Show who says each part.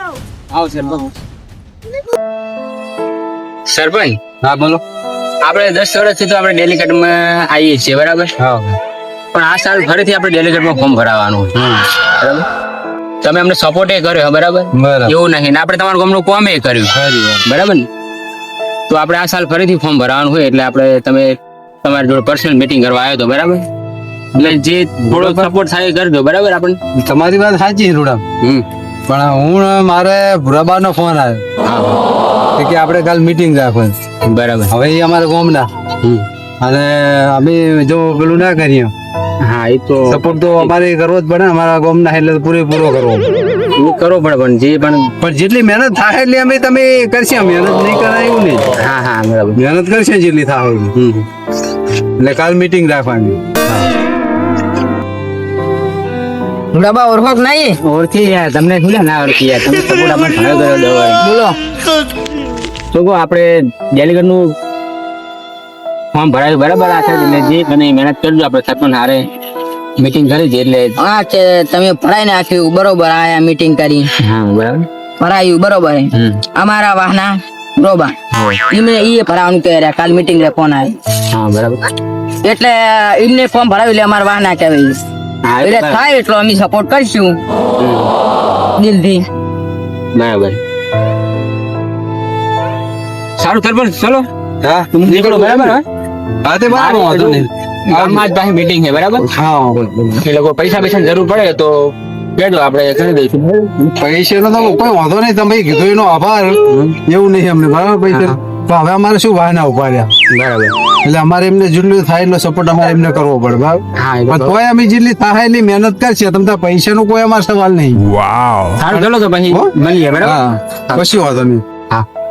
Speaker 1: આવો સરપંચ.
Speaker 2: સરપંચ
Speaker 1: હા બોલો.
Speaker 2: આપણે 10 વર્ષથી તો આપણે ડેલિકેટમાં આવીએ છીએ બરાબર,
Speaker 1: હા
Speaker 2: પણ આ સાલ ફરીથી આપણે ડેલિકેટમાં ફોર્મ ભરાવાનું છે. બરાબર, તમે અમને સપોર્ટ કર્યો બરાબર,
Speaker 1: બરાબર.
Speaker 2: એવું નહીં ને આપણે તમારા ગામનું કોમે કર્યું બરાબર ને, તો આપણે આ સાલ ફરીથી ફોર્મ ભરાવાનું હોય એટલે આપણે તમે તમારી જોડે પર્સનલ મીટિંગ કરવા આવ્યો તો બરાબર, એટલે જે થોડો સપોર્ટ થાય એ કરજો બરાબર આપણને.
Speaker 1: તમારી વાત સાચી છે રૂડા, પણ હું મારે ભુરાબાનો ફોન આવ્યો કે આપણે કાલ મીટિંગ રાખવાની.
Speaker 2: બરાબર,
Speaker 1: હવે એ અમારા ગામના અને અમે જો પેલું ના કરીએ
Speaker 2: હા એ તો
Speaker 1: સપોર્ટ તો અમારે કરવો જ પડે, અમારા ગામના એટલે પૂરેપૂરો કરવો
Speaker 2: એ કરવો પડે, પણ જે પણ
Speaker 1: પણ જેટલી મહેનત થાય એટલી અમે તમે કરશે, મહેનત નહીં કરાય એવું નહીં,
Speaker 2: હા હા બરાબર
Speaker 1: મહેનત કરશે જેટલી થાય એટલી. એટલે કાલ મીટિંગ રાખવાની.
Speaker 3: ગુલાબા ઓળખો કે નહીં?
Speaker 2: ઓળખી યાર, તમને શું ના ઓળખી યાર, તમે સપોર્ટ આપણને ઘણો કર્યો દવા.
Speaker 3: બોલો.
Speaker 2: તો કહો આપણે ડેલિગેટ નું ફોર્મ ભરાયું બરાબર, આ થાય એટલે જે બને એ મહેનત કરજો. આપણે સરપંચ હારે મીટિંગ કરી છે એટલે
Speaker 3: હા કે તમે ભરાઈ નાખ્યું બરોબર, આયા મીટિંગ કરી
Speaker 2: હા બરાબર.
Speaker 3: ભરાયું બરોબર. અમારા વાહના બરોબર ઈ ભરાવાનું કહે રહ્યા, કાલ મીટિંગ લે ફોન આવ્યો
Speaker 2: હા બરાબર.
Speaker 3: એટલે એમને ફોર્મ ભરાવી એટલે અમારા વાહના કહેવાય.
Speaker 2: હા
Speaker 3: એટલે થાય એટલો અમે સપોર્ટ કરીશું દિલથી.
Speaker 2: બરાબર. સારું સરપંચ, ચલો
Speaker 1: હા
Speaker 2: નીકળો બરાબર.
Speaker 1: હા તે બરાબર, વાંધો નહીં.
Speaker 2: ગામમાં જ પાસે મીટિંગ છે બરાબર,
Speaker 1: હા
Speaker 2: એ લોકો પૈસા જરૂર પડે તો કહેજો, આપણે કરી દઈશું.
Speaker 1: પૈસાનો તો કોઈ વાંધો નહીં, તમે કીધું એનો આભાર, એવું નહીં અમને બરાબર પૈસા. તો હવે અમારે શું વાહના ઉભા રહ્યા
Speaker 2: બરાબર,
Speaker 1: એટલે અમારે એમને જેટલું થાય એટલો સપોર્ટ અમારે એમને કરવો પડે બરાબર.
Speaker 2: હા એ
Speaker 1: પણ
Speaker 2: તો
Speaker 1: તોય અમે જેટલી થાય એટલી મહેનત કરશે, તમને પૈસાનો કોઈ અમારો સવાલ નહીં.
Speaker 2: સારું, ચલો તો પછી
Speaker 1: હો?
Speaker 2: મળીએ બરાબર.
Speaker 1: હા કશું વાંધો નહીં.
Speaker 2: હા.